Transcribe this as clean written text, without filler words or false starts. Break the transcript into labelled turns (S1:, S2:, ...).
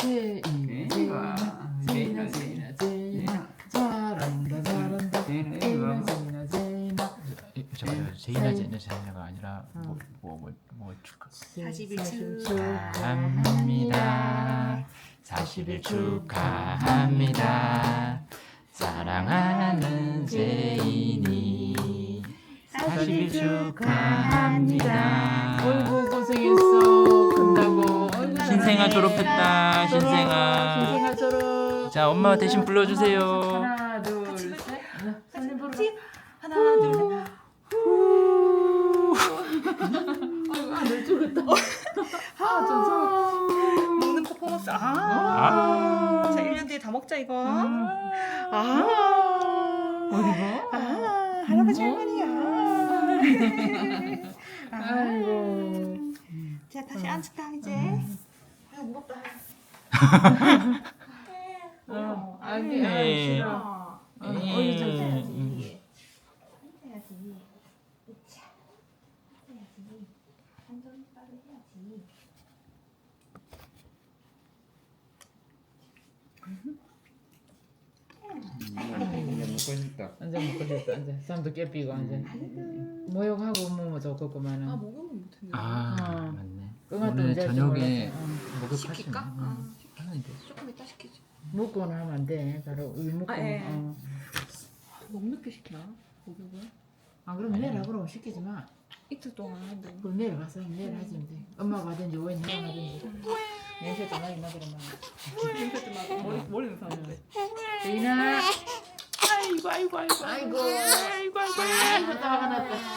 S1: 제인아 잘한다 잘한다 제인아
S2: 잠깐만 제인아 제인아가 아니라 뭐 축하
S3: 40일
S2: 축하합니다. 40일 축하합니다. 사랑하는 제인이 40일 축하합니다.
S1: 어이구 고생했어 큰다고
S2: 신생아 졸업했다. 신생아.
S1: 신생아 졸업
S2: 자 엄마 대신 불러주세요.
S1: 하나 둘셋 손님 불러
S3: 하나 둘
S1: 아이고 아들 죽었다 아좀
S3: 먹는 퍼포먼스 자 1년 뒤에 다 먹자 이거
S1: 어디가?
S3: 할아버지 할머니야
S1: 아이고
S3: 자 다시 앉을까 이제 아유 무겁다
S1: 아기
S2: 네.
S1: 싫어
S3: 어디 좀 해야지 해야지 으차 해야지 한손 빠르 해야지
S2: 먹고 싶다.
S1: 완전 먹고 싶다 완전 쌈도 깨삐고 완전 모욕하고 뭐 좋겠구만은
S3: 목욕은 못했네
S2: 맞네.
S1: 끙아도
S2: 오늘
S1: 이제
S2: 저녁에
S1: 몰랐어.
S3: 시킬까?
S2: 하는데.
S3: 조금 이따 시키지
S1: 먹고는 하면 안돼 바로 우유 먹고
S3: 예.
S1: 어.
S3: 너무 늦게 시키나 목욕을
S1: 아 그럼 내일 하고 시키지 마
S3: 이틀 동안 하는데
S1: 그럼 내일 가서 내일 하지 돼 엄마가 하든지 오해 내가 하든지 냄새도 많이 나더만
S3: 냄새도 나고 머리는 사는데
S1: 제인아
S2: 아이고.
S1: 아이고 아이고 또 화가 났다